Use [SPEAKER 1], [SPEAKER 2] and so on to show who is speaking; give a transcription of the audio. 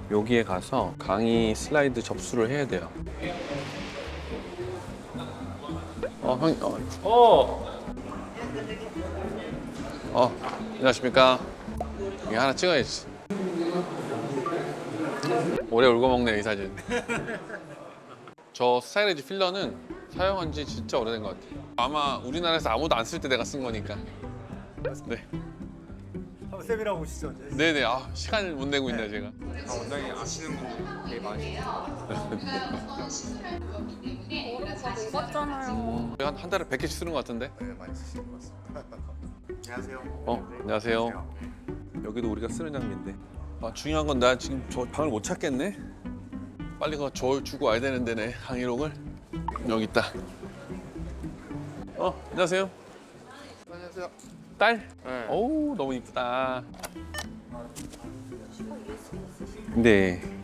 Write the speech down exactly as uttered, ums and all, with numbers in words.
[SPEAKER 1] 여기에 가서 강의 슬라이드 접수를 해야 돼요. 어, 형, 어, 어, 어, 안녕하십니까. 이거 하나 찍어야지. 오래 울고 먹네 이 사진. 저 스타일리지 필러는 사용한 지 진짜 오래된 것 같아요. 아마 우리나라에서 아무도 안 쓸 때 내가 쓴 거니까. 네.
[SPEAKER 2] 한번 세미나 보시죠.
[SPEAKER 1] 네네. 아, 시간을 못 내고 있네 제가.
[SPEAKER 2] 아, 원장님 아시는 거 되게 많으시죠.
[SPEAKER 3] 다 녹았잖아요.
[SPEAKER 1] 한, 한 달에 백 개씩 쓰는 것 같은데.
[SPEAKER 2] 네, 많이 쓰시는 것 같습니다. 안녕하세요.
[SPEAKER 1] 어, 안녕하세요. 여기도 우리가 쓰는 장비인데. 아, 중요한 건 나 지금 저 방을 못 찾겠네. 빨리 그 저 주고 와야 되는데 내 항의록을. 여기 있다. 어, 안녕하세요.
[SPEAKER 2] 안녕하세요.
[SPEAKER 1] 딸?
[SPEAKER 2] 네.
[SPEAKER 1] 어우, 너무 이쁘다. 근데